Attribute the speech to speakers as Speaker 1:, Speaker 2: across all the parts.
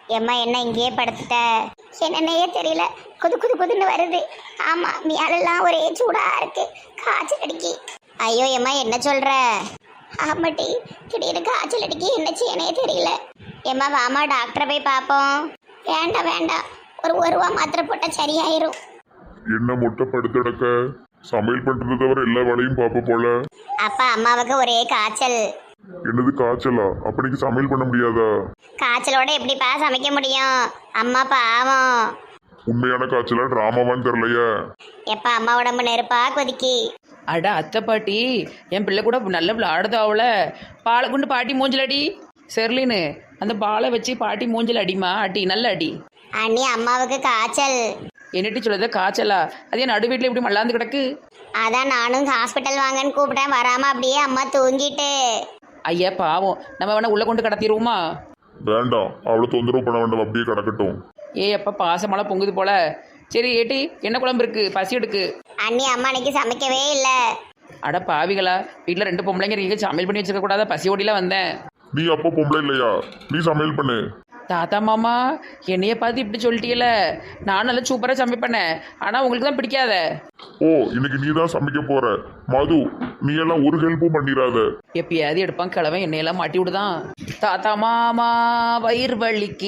Speaker 1: எம்மா என்ன இங்கேயே படுத்துட்ட? என்னன்னே தெரியல, குது குது குதுன்னு வருது. ஆமா, மேலெல்லாம் ஒரே சூடா இருக்கு, காய்ச்சல் அடிக்கி. ஐயோ எம்மா என்ன சொல்ற? ஆமாட்டி, திடீர்னு காய்ச்சல் அடிக்கி, என்ன செய்யனே தெரியல. எம்மா வாமா டாக்டரை போய் பார்ப்போம். வேண்டாம் வேண்டாம், ஒரு ரூபா மாத்திரை போட்டால் சரியாயிரும்.
Speaker 2: என்ன முட்டை படுத்தடக்க சமையல் பண்றது தவிர எல்லா வேலையும் பார்ப்ப போல.
Speaker 1: அப்பா அம்மாவுக்கு ஒரே காய்ச்சல்.
Speaker 2: என்னது காய்ச்சலா? அப்படிக்கு சமையல் பண்ண முடியாதா?
Speaker 1: காய்ச்சலோட எப்படிப்பா சமைக்க முடியும்? அம்மா பாவம்.
Speaker 2: உண்மையான காய்ச்சலா டிராமாவான்னு தெரியலையே.
Speaker 1: எப்பா அம்மா உடம்பு நெருப்பா கொதிக்கி.
Speaker 3: அட அத்தை பாட்டி, என் பிள்ளை கூட நல்ல விளையாடுதாவுல. பாலை கொண்டு பாட்டி மூஞ்சில் அடி. செர்லின்னு அந்த பாலை வச்சு பாட்டி மூஞ்சில் அடிமா, அடி நல்ல அடி.
Speaker 1: அண்ணி அம்மாவுக்கு காய்ச்சல்.
Speaker 3: என்னட்டி சொல்லுத காய்ச்சலா? அதே நடு வீட்டில் இப்படி மல்லாந்து கிடக்கு.
Speaker 1: அதான் நானும் ஹாஸ்பிட்டல் வாங்கன்னு கூப்பிட்டேன், வராம அப்படியே அம்மா தூங்கிட்டு.
Speaker 3: ஐயா பாவம், நம்ம வேணா உள்ள கொண்டு கடத்திடுவோமா?
Speaker 2: வேண்டாம், அவளை தொந்தரவு பண்ண வேண்டாம், அப்படியே கிடக்கட்டும்.
Speaker 3: அப்பா பாசமெல்லாம் பொங்குது போல. சரி ஏட்டி, என்ன குழம்பு இருக்கு? பசி எடுக்கு.
Speaker 1: அண்ணி அம்மா அன்னைக்கு சமைக்கவே இல்லை.
Speaker 3: அட பாவிகளா, வீட்டில் 2 பொம்பளைங்க இருக்கீங்க, சமையல் பண்ணி வச்சிருக்க கூடாதா? பசி ஓடிலாம் வந்தேன்.
Speaker 2: நீ அப்போ பொம்பளை இல்லையா? நீ சமையல் பண்ணு.
Speaker 3: தாத்தா மாமா என்னைய பார்த்து இப்படி சொல்லிட்டீல. நான் நல்லா சூப்பராக சமைப்பேனே, ஆனால் உங்களுக்கு தான் பிடிக்காத.
Speaker 2: ஓ, இன்னைக்கு நீ தான் சமைக்க போற. மது, நீ எல்லாம் ஒரு ஹெல்ப்பும் பண்ணிடாத.
Speaker 3: எப்பயாவது எடுப்பான் கிழவன், என்னையெல்லாம் மாட்டி விடுதான். தாத்தா மாமா வயிறு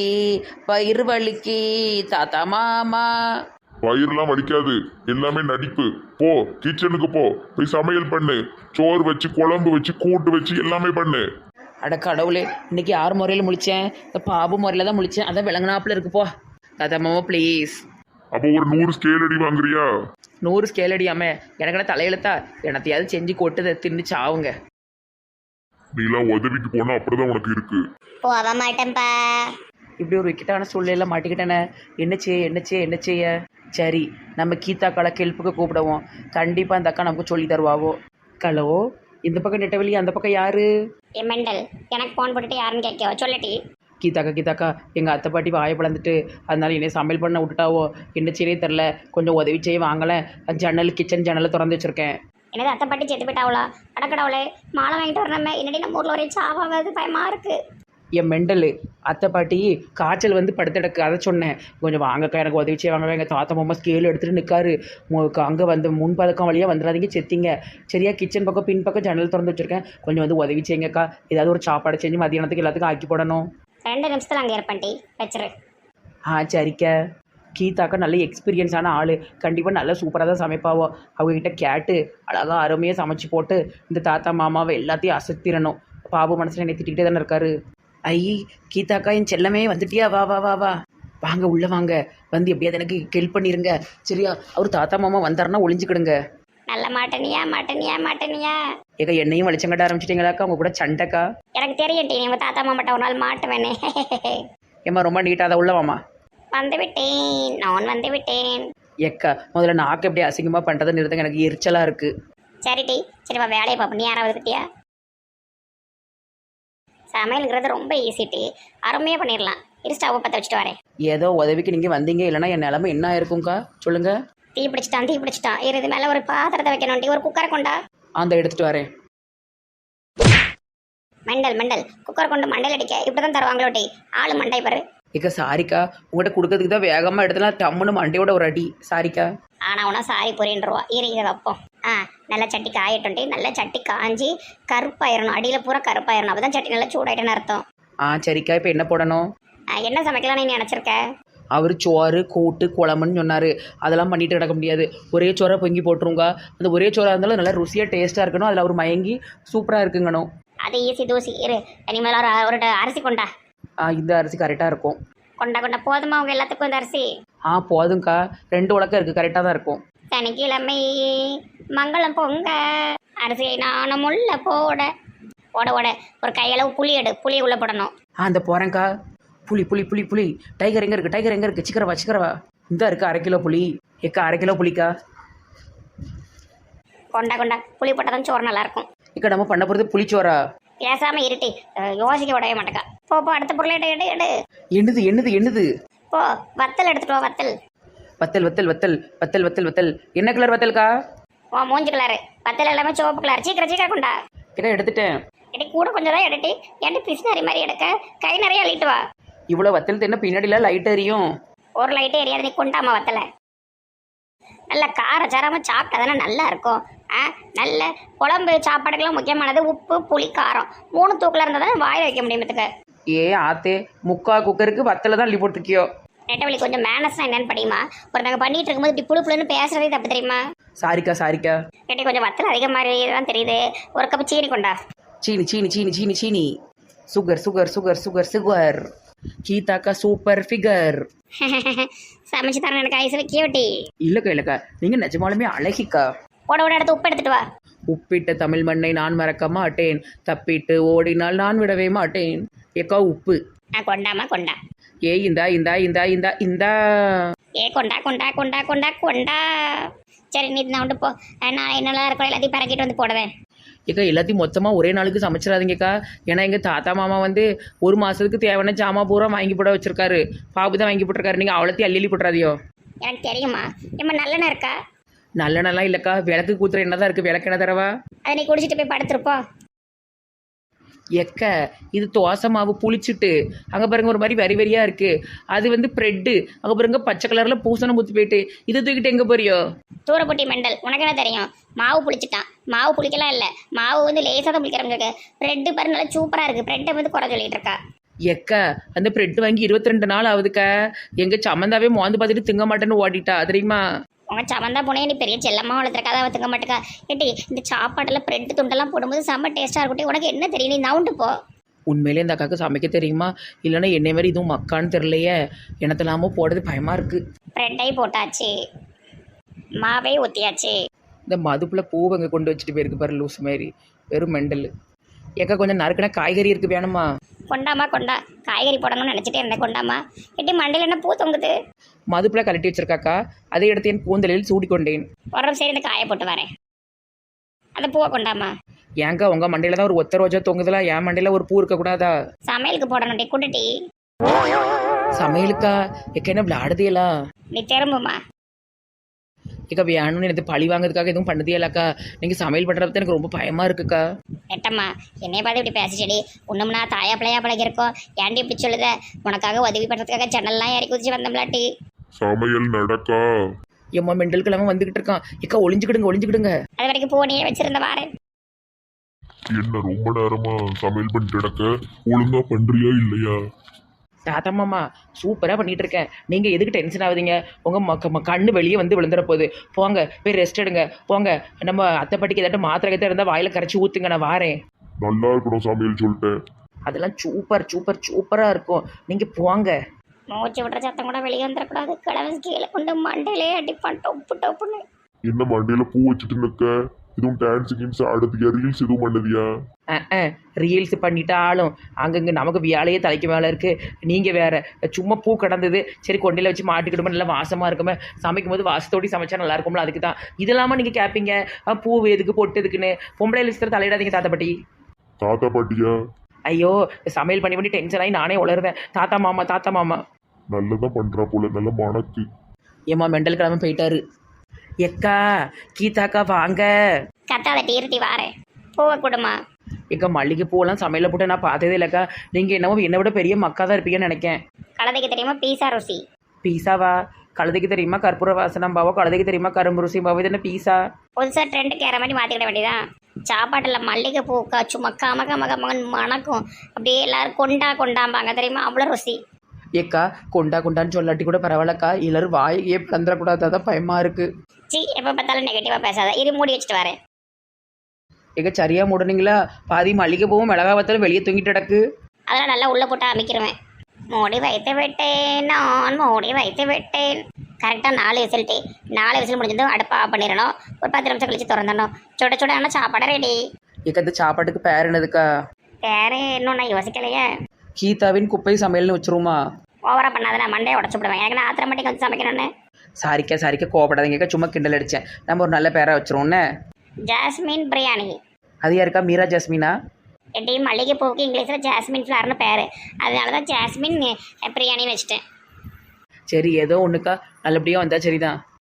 Speaker 3: வலிக்கு தாத்தா மாமா.
Speaker 2: வயிறுலாம் வலிக்காது, எல்லாமே நடிப்பு. போ, கிச்சனுக்கு போ, போய் சமையல் பண்ணு. சோறு வச்சு, குழம்பு வச்சு, கூட்டு வச்சு எல்லாமே பண்ணு.
Speaker 3: அட கடவுளே, இன்னைக்கு 6 முறையில் முழிச்சேன், இந்த பாபு முறையில் தான் முழிச்சேன். அதான் விளங்கினாப்புல இருக்கு. போ தாத்தா மாமா ப்ளீஸ்.
Speaker 2: அப்போ ஒரு 100 ஸ்கேல் அடி வாங்குறியா?
Speaker 3: 100 ஸ்கேல் அடியாம எனக்கு தலையெழுத்தா? எனத்தையாவது செஞ்சு கொட்டுதை தின்னுச்சு ஆவுங்க.
Speaker 2: நீலாம் உதவிக்கு போனா அப்படிதான் உனக்கு இருக்கு.
Speaker 1: போக மாட்டேன்ப்பா.
Speaker 3: இப்படி ஒரு விக்கெட்டான சூழ்நிலையில மாட்டிக்கிட்டேனே. என்ன செய்ய? சரி, நம்ம கீதாக்கால கெல்ப்புக்கு கூப்பிடுவோம். கண்டிப்பாக அந்த அக்கா நமக்கு சொல்லி தருவாவோ. ஹலோ, இந்த பக்கம் நெட்டவெளி, அந்த பக்கம் யாரு?
Speaker 1: மெண்டல், எனக்கு ஃபோன் போட்டுட்டு யாருன்னு கேட்கவோ சொல்லட்டி.
Speaker 3: கீதாக்கா எங்கள் அத்தை பாட்டி வாயை பிளந்துட்டு, அதனால என்னை சமையல் பண்ண விட்டுட்டாவோ. என்ன செய்யவே தெரில, கொஞ்சம் உதவி செய்ய வாங்கலேன். கிச்சன் ஜன்னலை திறந்து வச்சுருக்கேன்.
Speaker 1: என்னது அத்தை பாட்டி செத்து போயிட்டாவளா? அடக்கடவுளே, மாலை வாங்கிட்டு வரணுமே. என்னடி நம்ம ஊரில் ஒரே சாவாவது, பயமா இருக்கு.
Speaker 3: என் மெண்டலு அத்தை பாட்டி காய்ச்சல் வந்து படுத்தடக்கு, அதை சொன்னேன். கொஞ்சம் வாங்கக்கா, எனக்கு உதவி செய்ய வாங்க. எங்கள் தாத்தா மாமா ஸ்கேல் எடுத்துகிட்டு நிற்காரு. அங்கே வந்து முன்பதக்கம் வழியாக வந்துடாதீங்க, செத்திங்க. சரியா? கிச்சன் பக்கம் பின் பக்கம் ஜன்னல் திறந்து வச்சுருக்கேன். கொஞ்சம் வந்து உதவி செய்யுங்கக்கா. ஏதாவது ஒரு சாப்பாடு செஞ்சு மதியானத்துக்கு எல்லாத்துக்கும் ஆக்கி போடணும்.
Speaker 1: 2 நிமிஷத்தில் அங்கே இருப்பேன்ட்டி, வச்சிரு.
Speaker 3: சரிக்கா. கீதாக்கா நல்ல எக்ஸ்பீரியன்ஸான ஆள், கண்டிப்பாக நல்லா சூப்பராக தான் சமைப்பாவோ. அவங்கக்கிட்ட கேட்டு அழகாக அருமையாக சமைச்சு போட்டு இந்த தாத்தா மாமாவை எல்லாத்தையும் அசத்திடணும். பாபு மனசில் என்னை திட்டிகிட்டே தானே இருக்காரு. கீதாக்கா என் செல்லமே வந்துட்டியா? வா வா வா வா வாங்க, உள்ளே வாங்க. வந்து எப்படியாவது எனக்கு ஹெல்ப் பண்ணிடுங்க. சரியா? அவர் தாத்தா மாமா வந்தாருன்னா ஒளிஞ்சுக்கிடுங்க.
Speaker 1: நல்ல மாட்டனியா.
Speaker 3: ஏக்கா என்னையும் வலிச்சங்கட்ட ஆரம்பிச்சிட்டிங்களாக்கா? அவங்க கூட சண்டைக்கா?
Speaker 1: எனக்கு தெரியும் டி, உங்கள் தாத்தா மாமாட்ட ஒரு நாள் மாட்டுவேனே.
Speaker 3: ஏம்மா ரொம்ப நீட்டாக அதை உள்ளவாம்மா.
Speaker 1: நான் வந்து விட்டேன்.
Speaker 3: ஏக்கா முதல்ல நாக்கு எப்படி அசிங்கமாக பண்ணுறதை நிறுத்துங்க, எனக்கு எரிச்சலாக இருக்குது.
Speaker 1: சரி டி, சரிப்பா வேலையை பார்ப்போம். நீ யாராவது பற்றியா? சமையலுங்கிறது ரொம்ப ஈஸி டி, அருமையாக பண்ணிடலாம். இரு, ஸ்டவ்வை பற்ற வச்சுட்டு வரேன்.
Speaker 3: ஏதோ உதவிக்கு நீங்கள் வந்தீங்க, இல்லைனா என் நிலமை என்ன இருக்கும்க்கா? சொல்லுங்கள்.
Speaker 1: தீ பிடிச்சிட்டான். இரு, இது மேலே ஒரு பாத்திரத்தை வைக்கணும் டி. ஒரு குக்கரை கொண்டா.
Speaker 3: அந்த எடுத்துகிட்டு வரேன்.
Speaker 1: மெண்டல் குக்கர் கொண்டு மண்டையில் அடிக்க இப்படி தான் தருவாங்களோ டி. ஆளு மண்டை பாரு.
Speaker 3: ஏக்கா சாரிக்கா, உங்கள்கிட்ட கொடுக்கறதுக்கு தான் வேகமாக எடுத்தலாம், டம்முன்னு மண்டையோட ஒரு அடி. சாரிக்கா.
Speaker 1: ஆனால் உனா சாரி புரியுன்றவா. இதை வைப்போம். நல்லா சட்டி காயட்டும் டி. நல்லா சட்டி காஞ்சி கருப்பாயிரணும், அடியில் பூரா கருப்பாயிரணும். அப்போ தான் சட்டி நல்லா சூடாயிட்டுன்னு அர்த்தம்.
Speaker 3: சரிக்கா. இப்போ என்ன போடணும்?
Speaker 1: என்ன சமைக்கலாம்னு நீ நினச்சிருக்க?
Speaker 3: அவர் சோறு கூட்டு குழம்புன்னு சொன்னார். அதெல்லாம் பண்ணிட்டு கிடக்க முடியாது. ஒரே சோறாக பொங்கி போட்டுருங்க. அந்த ஒரே சோறாக இருந்தாலும் நல்லா ருசியாக டேஸ்ட்டாக இருக்கணும். அதில் அவர் மயங்கி சூப்பராக இருக்குங்கணும்.
Speaker 1: அது ஈஸி தூசி. இரு, இனிமேல் ஒரு அரிசி கொண்டா.
Speaker 3: இந்த அரிசி கரெக்டாக இருக்கும்.
Speaker 1: கொண்டா போதுமா அவங்க எல்லாத்துக்கும் இந்த அரிசி?
Speaker 3: போதும்க்கா. 2 உலக்கம் இருக்குது, கரெக்டாக தான் இருக்கும்.
Speaker 1: சனிக்கிழமை மங்களம் பொங்க அரிசியை நானும் உள்ள போட ஒரு கையளவு புளி எடு. புளியை உள்ள போடணும்.
Speaker 3: அந்த போகிறேங்க்கா. புளி. டைகர் எங்கே இருக்குது? சிக்கரவா. இந்த இருக்குது 1/2 கிலோ புளி. ஏக்கா 1/2 கிலோ புளிக்கா. கொண்டா.
Speaker 1: புளி போட்டால் தான் சோறு நல்லாயிருக்கும்.
Speaker 3: இக்கா நம்ம பண்ண போகிறது புளிச்சோரா?
Speaker 1: பேசாமல் இருட்டி, யோசிக்க விடவே மாட்டேக்கா. போ அடுத்த பொருளை எடு.
Speaker 3: என்னது?
Speaker 1: போ, வத்தல் எடுத்துட்டு வா.
Speaker 3: வத்தல். என்ன கலர் வத்தல்க்கா?
Speaker 1: மூஞ்சி கலரு. வத்தல் எல்லாமே சிவப்பு கலர். சீக்கிரம் கொண்டா.
Speaker 3: கிட்ட எடுத்துட்டேன்.
Speaker 1: கூட கொஞ்சம் தான் எடுத்து பிசினாரி மாதிரி எடுக்க. கை நிறைய அள்ளிட்டு வா.
Speaker 3: இவ்வளோ வத்தல் தின்ன பின்னாடிலாம் லைட் எரியும்.
Speaker 1: ஒரு லைட்டே எரியாது, நீ கொண்டாமா வத்தலை. நல்ல காரச்சாரமாக சாப்பிட்டா தானே நல்லா இருக்கும். நல்ல குழம்பு சாப்பாடுக்கெல்லாம் முக்கியமானது உப்பு புளி காரம் 3 தூக்கில் இருந்தால் தான் வாயில் வைக்க முடியுமத்துக்கு.
Speaker 3: ஏ ஆத்தே, முக்கா குக்கருக்கு வத்தலை தான் அள்ளி போட்டிருக்கியோ.
Speaker 1: நெட்டவழி கொஞ்சம் மேனஸ்னா என்னன்னு படியுமா? ஒருத்தங்க பண்ணிட்டு இருக்கும்போது இப்படி புழு புழுன்னு பேசுறதே தப்பு தெரியுமா?
Speaker 3: சாரிக்கா சாரிக்கா.
Speaker 1: கேட்டி கொஞ்சம் வத்தல் அதிகம் மாதிரி தான் தெரியுது. ஒரு கப் சீனி கொண்டா.
Speaker 3: சீனி சீனி சீனி சீனி சீனி. Sugar sugar sugar sugar sugar. கீதாக்கா சூப்பர் ஃபிகர்.
Speaker 1: சமைச்சு தரேன் எனக்கு ஐஸ் வைக்கியோட்டி.
Speaker 3: இல்லைக்கா இல்லைக்கா, நீங்கள் நிஜமாலுமே அழகிக்கா.
Speaker 1: ஓட எடுத்து உப்பு எடுத்துட்டு வா.
Speaker 3: உப்பிட்ட தமிழ் மண்ணை நான் மறக்க மாட்டேன், தப்பிட்டு ஓடினால் நான் விடவே மாட்டேன். ஏக்கா உப்பு.
Speaker 1: கொண்டாமா கொண்டா.
Speaker 3: ஏ இந்தா இந்தா இந்தா இந்தா இந்தா.
Speaker 1: ஏ கொண்டா கொண்டா கொண்டா கொண்டா கொண்டா. சரி நீ நான் வந்து போ. நான் என்னெல்லாம் இருக்கோ எல்லாத்தையும் பறக்கிட்டு வந்து போடுவேன்.
Speaker 3: ஏக்கா எல்லாத்தையும் மொத்தமாக ஒரே நாளுக்கு சமைச்சிடாதீங்கக்கா. ஏன்னா எங்கள் தாத்தா மாமா வந்து 1 மாதத்துக்கு தேவையான ஜாமா பூரா வாங்கி போட வச்சிருக்காரு. பாபு தான் வாங்கி போட்டிருக்காரு. நீங்கள் அவ்வளோத்தையும் அள்ளி போட்டுறாதியோ.
Speaker 1: எனக்கு தெரியுமா? ஏம்மா நல்லெண்ணெய் இருக்கா?
Speaker 3: நல்லெண்ணெல்லாம் இல்லைக்கா, விளக்கு கூத்துற என்ன தான் இருக்குது. விளக்கு என்ன தரவா?
Speaker 1: அதை நீ குடிச்சிட்டு போய் படுத்துருப்போம்.
Speaker 3: எக்க இது தோசை மாவு புளிச்சுட்டு அங்கே பாருங்க ஒரு மாதிரி வரி வரியாக இருக்குது. அது வந்து ப்ரெட்டு. அங்கே பாருங்க பச்சை கலரில் பூசணம் ஊற்றி போயிட்டு இதை தூக்கிட்டு எங்கே போறியோ?
Speaker 1: தூரப்பட்டி மெண்டல், உனக்கு என்ன தெரியும்? மாவு புளிச்சிட்டான். மாவு புளிக்கலாம் இல்லை, மாவு வந்து லேசாக தான் புளிக்கிறவங்களுக்கு. ப்ரெட்டு பாரு நல்லா சூப்பராக இருக்குது. ப்ரெட்டை வந்து குறை சொல்லிட்டு இருக்கா.
Speaker 3: எக்க அந்த ப்ரெட் வாங்கி 22 நாள் ஆகுதுக்கா. எங்கள் சம்மந்தாவே மோந்து பார்த்துட்டு திங்க மாட்டேன்னு ஓடிட்டா தெரியுமா?
Speaker 1: உங்க சமந்தா போனே நீ பெரிய செல்லம்மா வளர்த்துருக்கா, அதை வத்துக்க மாட்டேக்கா. ஏட்டி இந்த சாப்பாட்டில் ப்ரெட்டு துண்டெல்லாம் போடும்போது செம்ம டேஸ்ட்டாக இருக்கட்டும். உனக்கு என்ன தெரியும்? நீ நவுண்டு போ.
Speaker 3: உண்மையிலே இந்த அக்காவுக்கு சமைக்க தெரியுமா? இல்லைன்னா என்னை மாதிரி இதுவும் மக்கான்னு தெரியலையே. எனத்தெல்லாமோ போடுறது பயமாக இருக்குது.
Speaker 1: ப்ரெட்டை போட்டாச்சு, மாவை ஊற்றியாச்சு.
Speaker 3: இந்த மதுப்புல பூவை அங்கே கொண்டு வச்சுட்டு போயிருக்கு பாரு லூஸ் மாதிரி. வெறும் மெண்டல். ஏக்கா கொஞ்சம் நறுக்கின காய்கறி இருக்குது வேணுமா?
Speaker 1: கொண்டாமா கொண்டா. காய்கறி போடணும்னு நினச்சிட்டே இருந்தேன். கொண்டாமா. ஏட்டி மண்டையில் என்ன பூ தொங்குது?
Speaker 3: மதுப்புல கலட்டி வச்சிருக்காக்கா. அதை எடுத்து என் கூந்தலில் சூடிக்கொண்டேன்.
Speaker 1: ஒரு சரி இந்த காயை போட்டு வரேன். அந்த பூவை கொண்டாமா.
Speaker 3: ஏங்க உங்கள் மண்டையில் தான் ஒரு ஒத்த ரோஜா தொங்குதுல, என் மண்டையில் ஒரு பூ இருக்கக்கூடாதா?
Speaker 1: சமையலுக்கு போடணும் டி குண்டுட்டி.
Speaker 3: சமையலுக்கா? எக்க என்ன விளையாடுதியலா?
Speaker 1: நீ திரும்புமா.
Speaker 3: ஏக்கா வேணும்னு எனக்கு பழி வாங்குறதுக்காக எதுவும் பண்ணதியலாக்கா? நீங்கள் சமையல் பண்ணுறப்ப எனக்கு ரொம்ப பயமாக இருக்குக்கா.
Speaker 1: நெட்டம்மா என்னைய பார்த்து இப்படி பேசிச்சடி. ஒன்றும்னா தாயா பிள்ளையா பழகிருக்கோம். ஏன்டி இப்படி சொல்லுத? உனக்காக உதவி பண்ணுறதுக்காக ஜன்னல்லாம் ஏறி குதிச்சு வந்தோம்லாட்டி.
Speaker 2: சமையல் நடக்கா?
Speaker 3: எம்மா மெண்டல் கிழமை வந்துகிட்டு இருக்கான். ஏக்கா ஒளிஞ்சுக்கிடுங்க ஒளிஞ்சுக்கிடுங்க.
Speaker 1: அது வரைக்கும் பூனையே வச்சிருந்த வாரேன்.
Speaker 2: என்ன ரொம்ப நேரமா சமையல் பண்ணிட்டு நடக்க? ஒழுங்கா பண்றியா இல்லையா?
Speaker 3: தாத்தா மாமா சூப்பராக பண்ணிட்டு இருக்கேன். நீங்கள் எதுக்கு டென்ஷன் ஆகுதீங்க? உங்கள் கண்ணு வெளியே வந்து விழுந்துற போகுது. போங்க போய் ரெஸ்ட் எடுங்க. போங்க நம்ம அத்தைப்பட்டிக்கு ஏதாட்டும் மாத்திரை கத்தை இருந்தால் வாயில் கரைச்சி ஊற்றுங்க, நான் வாரேன்.
Speaker 2: நல்லா இருக்கணும் சமையல் சொல்லிட்டேன்.
Speaker 3: அதெல்லாம் சூப்பர் சூப்பர் சூப்பராக இருக்கும். நீங்கள் போங்க.
Speaker 1: மூச்சு விடுற சத்தம் கூட வெளியே வந்துடக்கூடாது. கிழமை கீழே கொண்டு மண்டையிலே அடிப்பான் டொப்பு டொப்புன்னு.
Speaker 2: என்ன மண்டையில பூ வச்சுட்டு நிக்க? இதுவும் டான்ஸ் கின்ஸ் ஆடுதியா? ரீல்ஸ் எதுவும் பண்ணுதியா?
Speaker 3: ரீல்ஸ் பண்ணிட்டாலும் அங்கங்கே நமக்கு வேலையே தலைக்கு மேலே இருக்குது. நீங்கள் வேறு சும்மா பூ கிடந்தது சரி கொண்டையில் வச்சு மாட்டிக்கிடுமோ, நல்லா வாசமாக இருக்குமே. சமைக்கும் போது வாசத்தோடி சமைச்சா நல்லா இருக்கும்ல, அதுக்கு தான். இதெல்லாமா நீங்கள் கேட்பீங்க பூ எதுக்கு பொட்டு எதுக்குன்னு? பொம்பளை லிஸ்டர் தலையிடாதீங்க தாத்தா பாட்டி.
Speaker 2: தாத்தா பாட்டியா?
Speaker 3: ஐயோ சமையல் பண்ணி பண்ணி டென்ஷன் ஆகி நானே உளருவேன். தாத்தா மாமா தாத்தா மாமா.
Speaker 2: நல்லதான் பண்றா போல, நல்ல மணக்கு.
Speaker 3: ஏம்மா மெண்டல் கிழமை போயிட்டாரு. எக்கா கீதாக்கா வாங்க.
Speaker 1: கத்தாத டீர்ட்டி வாரேன். பூவை கொடுமா.
Speaker 3: எக்கா மல்லிகை பூவெல்லாம் சமையலில் போட்டு நான் பார்த்ததே இல்லைக்கா. நீங்கள் என்னவோ என்னை விட பெரிய மக்கா தான் இருப்பீங்கன்னு நினைக்கேன்.
Speaker 1: கலதைக்கு தெரியுமா பீஸா ருசி?
Speaker 3: பீஸாவா? கழுதைக்கு தெரியுமா கற்பூர வாசனம் பாவோ? கழுதைக்கு தெரியுமா கரும்பு ருசி பாவோ? இது என்ன பீஸா?
Speaker 1: புதுசாக ட்ரெண்டுக்கு ஏற மாதிரி மாற்றிக்கிட வேண்டியதான். சாப்பாட்டில் மல்லிகை பூ சும்மா கம கம கமகன் மணக்கும். அப்படியே எல்லாரும் கொண்டாம்பாங்க தெரியுமா, அவ்வளோ ருசி.
Speaker 3: ஏக்கா கொண்டான்னு சொல்லாட்டி கூட பரவாயில்லக்கா. எல்லாரும் வாயே பிளந்துடக்கூடாது, அதான் பயமாக இருக்குது.
Speaker 1: சி எப்போ பார்த்தாலும் நெகட்டிவாக பேசாத. இரு மூடி வச்சுட்டு வரேன்.
Speaker 3: ஏக்கா சரியாக மூடுனீங்களா? பாதி மல்லிகை பூவும் மிளகா வத்தாலும் வெளியே தூங்கிட்டு கிடக்கு.
Speaker 1: அதெல்லாம் நல்லா உள்ளே போட்டு அமைக்கிருவேன். மூடி வைத்து விட்டேன், நான் மூடி வைத்து விட்டேன். கரெக்டாக 4 விசில்ட்டு. 4 விசில் முடிஞ்சதும் அடுப்பை ஆஃப் பண்ணிடணும். ஒரு 10 நிமிஷம் கழிச்சு திறந்துடணும். சுட சுட ஆனால் சாப்பாடு ரெடி.
Speaker 3: ஏக்கா இந்த சாப்பாட்டுக்கு பேர் என்னதுக்கா?
Speaker 1: வேறு இன்னும் நான் யோசிக்கலையே.
Speaker 3: கீதாவின் குப்பை சமையல்னு வச்சுருமா?
Speaker 1: ஓவராக பண்ணாத, நான் மண்டையை உடச்சு விடுவேன். எனக்கு நான் ஆத்திரமாட்டிக்கு வந்து சமைக்கணும்னு.
Speaker 3: சாரிக்கா கோவப்படாதீங்கக்கா, சும்மா கிண்டல் அடித்தேன். நம்ம ஒரு நல்ல பேராக வச்சுருவோன்னே.
Speaker 1: ஜாஸ்மின் பிரியாணி.
Speaker 3: அது யாருக்கா? மீரா ஜாஸ்மினா?
Speaker 1: எட்டி மல்லிகை பூவுக்கு இங்கிலீஷில் ஜாஸ்மின் ஃப்ளார்னு பேர். அதனால தான் ஜாஸ்மின் பிரியாணின்னு வச்சுட்டேன்.
Speaker 3: சரி ஏதோ ஒன்றுக்கா, நல்லபடியாக வந்தால் சரிதான்.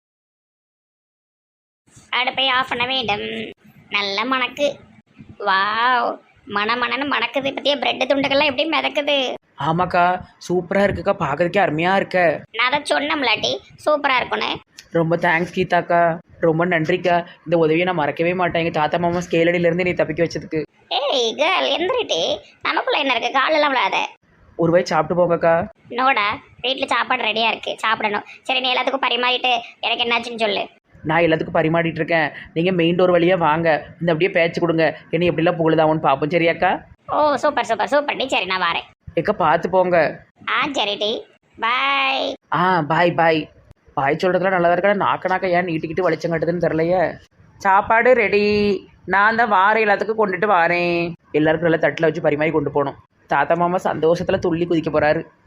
Speaker 1: அடுப்பை ஆஃப் பண்ண வேண்டும். நல்ல மணக்கு. வாவ் மணன்னு மணக்குது. பற்றிய பிரெட்டு துண்டுகள்லாம் எப்படி மிதக்குது.
Speaker 3: ஆமாக்கா சூப்பராக இருக்குக்கா, பார்க்கறதுக்கே அருமையாக இருக்க.
Speaker 1: நான் அதை சொன்னோம்லாட்டி சூப்பராக இருக்கும்னு.
Speaker 3: ரொம்ப தேங்க்ஸ் கீதாக்கா, ரொம்ப நன்றிக்கா. இந்த உதவியை நான் மறக்கவே மாட்டேன். எங்கள் தாத்தா மாமா ஸ்கேலடியிலேருந்து நீ தப்பிக்க வச்சதுக்கு.
Speaker 1: ஏய் கேர்ள் எந்திரிட்டி, நமக்குள்ள என்ன இருக்கு, காலெல்லாம் விழாத.
Speaker 3: ஒரு வாய் சாப்பிட்டு போங்கக்கா.
Speaker 1: நோடா, வீட்டில் சாப்பாடு ரெடியாக இருக்கு, சாப்பிடணும். சரி நீ எல்லாத்துக்கும் பரிமாறிட்டு எனக்கு என்னாச்சுன்னு சொல்லு.
Speaker 3: நான் எல்லாத்துக்கும் பரிமாறிட்டு இருக்கேன். நீங்கள் மெயின் டோர் வழியாக வாங்க, இந்த அப்படியே பேச்சு கொடுங்க, என்னை எப்படிலாம் புகழுதாவுன்னு பார்ப்போம். சரியாக்கா?
Speaker 1: ஓ சூப்பர் சூப்பர் சூப்பர் டி. சரி நான் வரேன்.
Speaker 3: ஏக்கா பார்த்து போங்க.
Speaker 1: ஆ சரி டி, பாய்.
Speaker 3: பாய் பாய். பாய் சொல்கிறதுலாம் நல்லா இருக்கா, நாக்க ஏன் நீட்டிக்கிட்டு வலிச்சம் கட்டுதுன்னு தெரிலையே. சாப்பாடு ரெடி, நான் தான் வாரேன், எல்லாத்துக்கும் கொண்டுட்டு வாரேன். எல்லாருக்கும் நல்லா தட்டில் வச்சு பரிமாறி கொண்டு போகணும். தாத்தா மாமா சந்தோஷத்தில் துள்ளி குதிக்க போகிறாரு.